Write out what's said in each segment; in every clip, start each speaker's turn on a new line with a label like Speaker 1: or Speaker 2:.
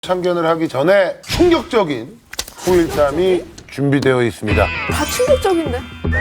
Speaker 1: 참견을 하기 전에 충격적인 후일담이 준비되어 있습니다.
Speaker 2: 다 충격적인데?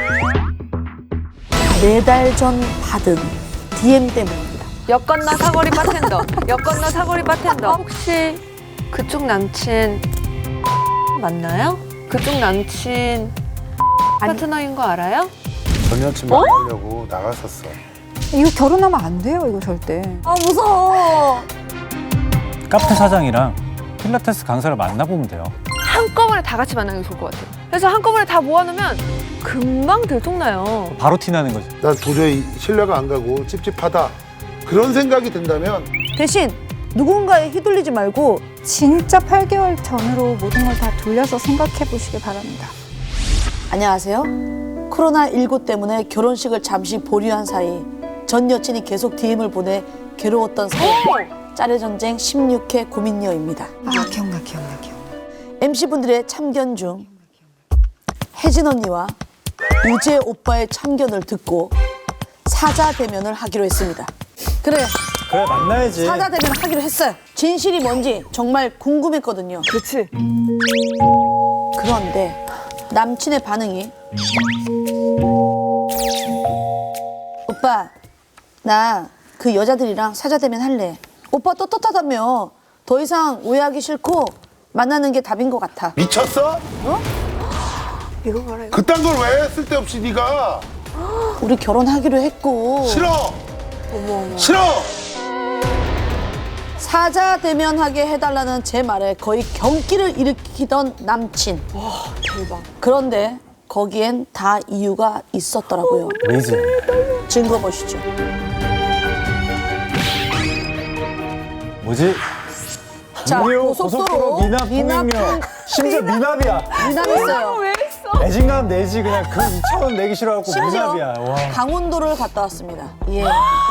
Speaker 3: 4달 전 받은 DM 때문입니다.
Speaker 2: 여건너 사거리 바텐더. 여건너 사거리 바텐더. 혹시 그쪽 남친 맞나요? 그쪽 남친 파트너인 거 알아요?
Speaker 1: 전 여친 만나려고 나갔었어.
Speaker 4: 이거 결혼하면 안 돼요, 이거 절대.
Speaker 3: 아 무서워.
Speaker 5: 카페 사장이랑 필라테스 강사를 만나보면 돼요.
Speaker 2: 한꺼번에 다 같이 만나는 게 좋을 것 같아요. 그래서 한꺼번에 다 모아놓으면 금방 들통나요.
Speaker 5: 바로 티나는 거죠.
Speaker 1: 난 도저히 신뢰가 안 가고 찝찝하다. 그런 생각이 든다면
Speaker 3: 대신 누군가에 휘둘리지 말고
Speaker 4: 진짜 8개월 전으로 모든 걸 다 돌려서 생각해 보시기 바랍니다.
Speaker 3: 안녕하세요. 코로나19 때문에 결혼식을 잠시 보류한 사이 전 여친이 계속 DM을 보내 괴로웠던 사연 짜레전쟁 16회 고민녀입니다.
Speaker 4: 아, 기억나.
Speaker 3: MC분들의 참견 중 혜진 언니와 우재 오빠의 참견을 듣고 사자 대면을 하기로 했습니다. 그래,
Speaker 5: 만나야지.
Speaker 3: 사자 대면 하기로 했어요. 진실이 뭔지 정말 궁금했거든요.
Speaker 2: 그렇지.
Speaker 3: 그런데 남친의 반응이 오빠 나 그 여자들이랑 사자 대면 할래. 오빠 떳떳하다며. 더 이상 오해하기 싫고 만나는 게 답인 것 같아.
Speaker 1: 미쳤어?
Speaker 2: 이거 봐라. 이거.
Speaker 1: 그딴 걸 왜 쓸데없이 네가
Speaker 3: 우리 결혼하기로 했고
Speaker 1: 싫어. 싫어.
Speaker 3: 사자 대면하게 해달라는 제 말에 거의 경기를 일으키던 남친.
Speaker 2: 대박.
Speaker 3: 그런데 거기엔 다 이유가 있었더라고요.
Speaker 5: 레이즈.
Speaker 3: 증거 보시죠.
Speaker 5: 뭐지?
Speaker 3: 자, 고속도로
Speaker 5: 미납 심지어 미납이야.
Speaker 3: 미납했어요.
Speaker 2: 왜 했어?
Speaker 5: 내진감 내지 그냥 그 2,000원 내기 싫어갖고
Speaker 3: 심지어
Speaker 5: 미납이야. 와.
Speaker 3: 강원도를 갔다 왔습니다. 예.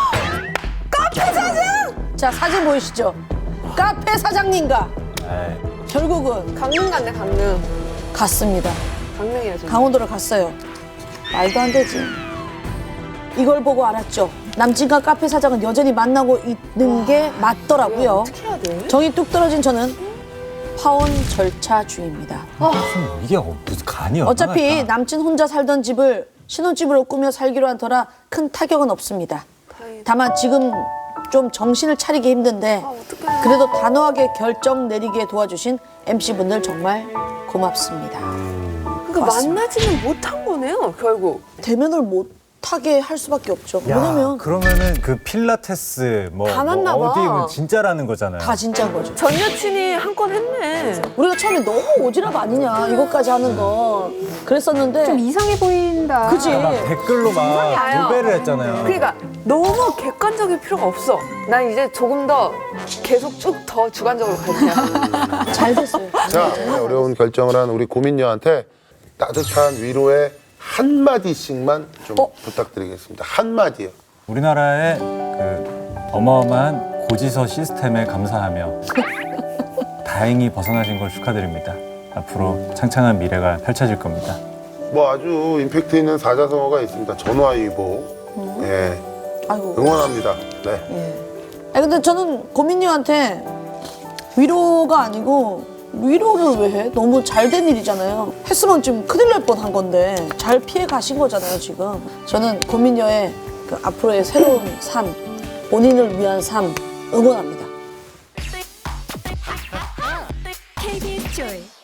Speaker 3: 카페 사장! 자, 사진 보이시죠? 카페 사장님과
Speaker 5: 에이.
Speaker 3: 결국은
Speaker 2: 강릉 갔네, 강릉.
Speaker 3: 갔습니다.
Speaker 2: 강릉이야, 지금.
Speaker 3: 강원도를 갔어요. 말도 안 되지. 이걸 보고 알았죠. 남친과 카페 사장은 여전히 만나고 있는 게 맞더라고요.
Speaker 2: 어떻게 해야 돼?
Speaker 3: 정이 뚝 떨어진 저는 파혼 절차 중입니다.
Speaker 5: 이게 무슨 간이
Speaker 3: 어차피
Speaker 5: 얼마나 있다.
Speaker 3: 남친 혼자 살던 집을 신혼집으로 꾸며 살기로 한 터라 큰 타격은 없습니다.
Speaker 2: 다행이다.
Speaker 3: 다만 지금 좀 정신을 차리기 힘든데
Speaker 2: 어떡해.
Speaker 3: 그래도 단호하게 결정 내리게 도와주신 MC분들 정말 고맙습니다.
Speaker 2: 그러니까
Speaker 3: 맞습니다.
Speaker 2: 만나지는 못한 거네요, 결국.
Speaker 3: 대면을 못하게 할 수밖에 없죠.
Speaker 5: 야,
Speaker 3: 왜냐면
Speaker 5: 그러면은 그 필라테스
Speaker 2: 다 맞나 봐.
Speaker 5: 어디 진짜라는 거잖아요.
Speaker 3: 다 진짜인 거죠.
Speaker 2: 전 여친이 한 건 했네.
Speaker 3: 우리가 처음에 너무 오지랖 아니냐 이것까지 하는 거 그랬었는데
Speaker 4: 좀 이상해 보인다.
Speaker 3: 그지?
Speaker 5: 막 댓글로 막
Speaker 2: 와요.
Speaker 5: 도배를 했잖아요.
Speaker 2: 그러니까 너무 객관적일 필요가 없어. 난 이제 조금 더 계속 쭉 더 주관적으로 갈게요.
Speaker 3: 잘 됐어요.
Speaker 1: 자, 어려운 결정을 한 우리 고민녀한테 따뜻한 위로의 한마디씩만 좀 부탁드리겠습니다. 한마디요.
Speaker 5: 우리나라의 그 어마어마한 고지서 시스템에 감사하며 다행히 벗어나신 걸 축하드립니다. 앞으로 창창한 미래가 펼쳐질 겁니다.
Speaker 1: 뭐 아주 임팩트 있는 사자성어가 있습니다. 전화위복. 예,
Speaker 3: 아이고.
Speaker 1: 응원합니다. 네.
Speaker 3: 아니, 근데 저는 고민녀한테 위로가 아니고 위로를 왜 해? 너무 잘 된 일이잖아요. 했으면 지금 큰일 날 뻔한 건데 잘 피해 가신 거잖아요, 지금. 저는 고민녀의 그 앞으로의 새로운 삶, 본인을 위한 삶 응원합니다.
Speaker 6: KBS Joy